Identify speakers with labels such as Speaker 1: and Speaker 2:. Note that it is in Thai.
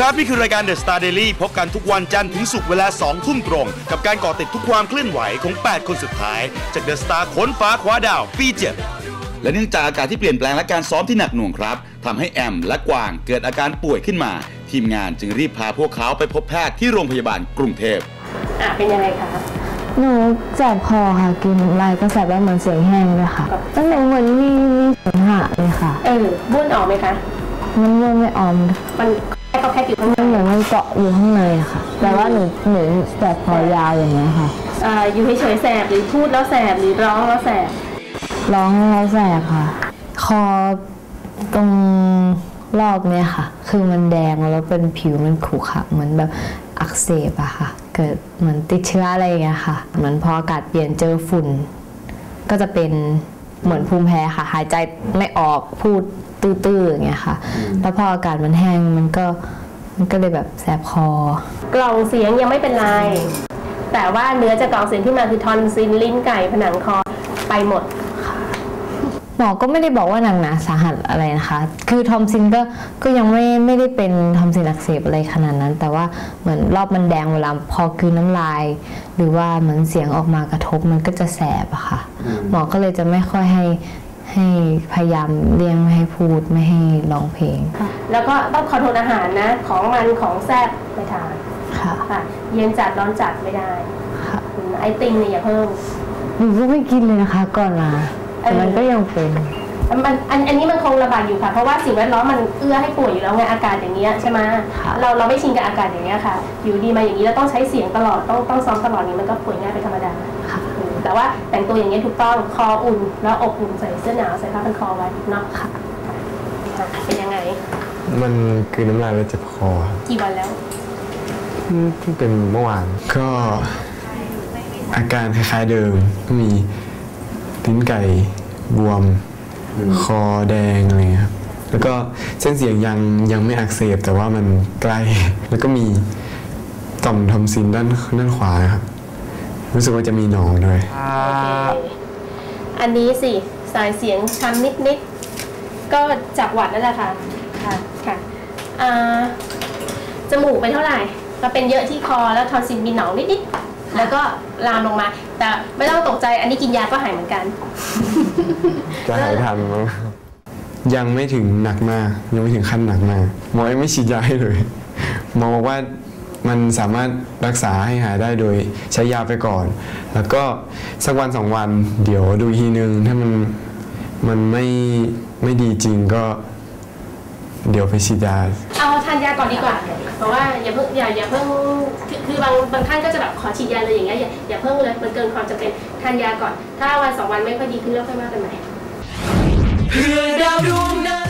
Speaker 1: ครับนี่คือรายการ The Star Daily พบกันทุกวันจันทร์ถึงศุกร์เวลา 2 ทุ่มตรงกับการเกาะติดทุกความเคลื่อนไหวของ 8 คนสุดท้ายจาก The Star ค้นฟ้าคว้าดาวปี 7 และเนื่องจากอากาศที่เปลี่ยนแปลงและการซ้อมที่หนักหน่วงครับทำให้แอมและกวางเกิดอาการป่วยขึ้นมาทีมงานจึงรีบพาพวกเขาไปพบแพทย์ที่โรงพยาบาลกรุงเทพ
Speaker 2: เป็นยังไงคะ
Speaker 3: หนูแสบคอค่ะกินอะไรก็แสบแล้วเหมือนเสียงแห้งเลยค่ะตั้งแต่เหมือนมีเสมหะเลยค่ะ
Speaker 2: บ้วนออกไหมคะ
Speaker 3: มันบ้วนไม่ออก
Speaker 2: มันก็แค่อยู่ข้างใน
Speaker 3: เหมือนมันเกาะอยู่ข้างในค่ะแต่ว่าหนูแสบคอยาวอย่างเงี้ยค่ะ
Speaker 2: อยู่เฉยๆแสบหรือพูดแล้วแสบหรือร้องแล้วแสบ
Speaker 3: ร้องแล้วแสบค่ะคอตรงรอบเนี้ยค่ะคือมันแดงแล้วเป็นผิวมันขรุขระเหมือนแบบอักเสบอะค่ะเกิดเหมือนติดเชื้ออะไรอย่างเงี้ยค่ะเหมือนพออากาศเปลี่ยนเจอฝุ่นก็จะเป็นเหมือนภูมิแพ้ค่ะหายใจไม่ออกพูดตื้อๆอย่างเงี้ยค่ะแล้วพออากาศมันแห้งมันก็เลยแบบแสบคอก
Speaker 2: ล่องเสียงยังไม่เป็นไรแต่ว่าเนื้อจากกล่องเสียงที่มาคือทอนซิลลิ้นไก่ผนังคอไปหมด
Speaker 3: หมอก็ไม่ได้บอกว่าหนักหนาสาหัสอะไรนะคะคือทอมซินก็ยังไม่ได้เป็นทอมซินอักเสบอะไรขนาดนั้นแต่ว่าเหมือนรอบมันแดงเวลาพอคืนน้ำลายหรือว่าเหมือนเสียงออกมากระทบมันก็จะแสบอะค่ะหมอก็เลยจะไม่ค่อยให้พยายามเลี่ยงไม่ให้พูดไม่ให้ร้องเพลง
Speaker 2: แล้วก็ต้องคอนโทรลอาหารนะของมันของแซ่บไม่ทานค่ะเย็นจัดร้อนจัดไม่ได้ไอติมเนี่ยอย่าเพิ่ม
Speaker 3: หนูก็ไม่กินเลยนะคะก่อนมาแต่มันก็ยังเป็น
Speaker 2: อันนี้มันคงระบาดอยู่ค่ะเพราะว่าสิ่งแวดล้อมมันเอื้อให้ป่วยอยู่แล้วไงอากาศอย่างเงี้ยใช่ไหมเราไม่ชินกับอากาศอย่างเงี้ยค่ะอยู่ดีมาอย่างนี้แล้วต้องใช้เสียงตลอดต้องซ้อมตลอดนี้มันก็ป่วยง่ายเป็นธรรมดาแต่ว่าแต่งตัวอย่างเงี้ยถูกต้องคออุ่นแล้วอบอุ่นใส่เสื้อหนาวใส่ผ้าพันคอไว้เนาะค่ะเป็นยังไง
Speaker 4: มันคือน้ำลายแล้วเจ็บคอ
Speaker 2: กี่วันแล้ว
Speaker 4: เพิ่งเป็นเมื่อวานก็อาการคล้ายๆเดิมก็มีลิ้นไก่บวมคอแดงอะไรครับแล้วก็เส้นเสียงยังไม่อักเสบแต่ว่ามันใกล้แล้วก็มีต่อมทอมซินด้านขวาครับรู้สึกว่าจะมีหนองด้วย
Speaker 2: อันนี้สิสายเสียงช้ำนิดก็จากหวัดนั่นแหละค่ะค่ะจมูกเป็นเท่าไหร่ก็เป็นเยอะที่คอแล้วทอนซิลมีหนองนิดแล้วก็ลามลงมาแต่ไม่ต้องตกใจอันนี้กินยาก็หายเหมือนกัน
Speaker 4: จะหายทันมั้งยังไม่ถึงหนักมากยังไม่ถึงขั้นหนักมากหมอยังไม่ฉีดยาให้เลยหมอบอกว่ามันสามารถรักษาให้หายได้โดยใช้ยาไปก่อนแล้วก็สักวัน2 วันเดี๋ยวดูทีนึงถ้ามันไม่ดีจริงก็เดี๋ยวไปฉีดยา
Speaker 2: เอาทานยาก่อนดีกว่าเพราะว่าอย่าเพิ่งคือบางท่านก็จะแบบขอฉีดยาเลยอย่างเงี้ยอย่าเพิ่งเลยมันเกินความจำเป็นทานยาก่อนถ้าวัน2 วันไม่ค่อยดีขึ้นแล้วค่อยว่ากันใหม่เพื่อดาวดวงนั้น